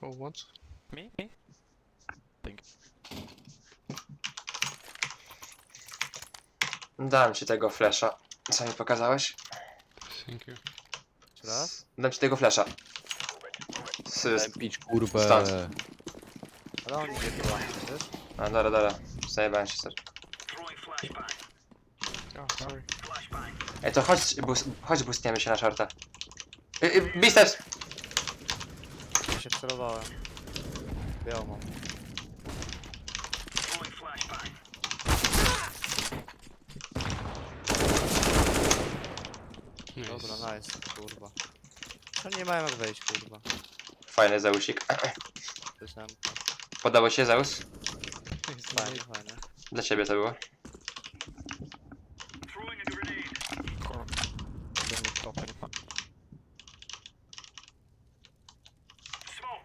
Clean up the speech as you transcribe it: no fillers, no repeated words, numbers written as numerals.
Who wants? Me? Thank you. Dam ci tego flasha. Co mi pokazałeś? Thank you. Jeszcze raz? Dam ci tego flasha. Pić kurwę. Stąd. Ale on idzie chyba, wiesz? A, dobra. Zajebałem się, sorry. Oh, sorry. Ej, to chodź boostniemy się na shorta. Biceps! Ja się wcelowałem. Białą mam. Nice. Dobra, nice, kurwa. No nie mają jak wejść, kurwa. Fajny Zeusik. Coś nam... Podobał ci się Zeus? Nice. Fajnie, fajnie. Dla ciebie to było.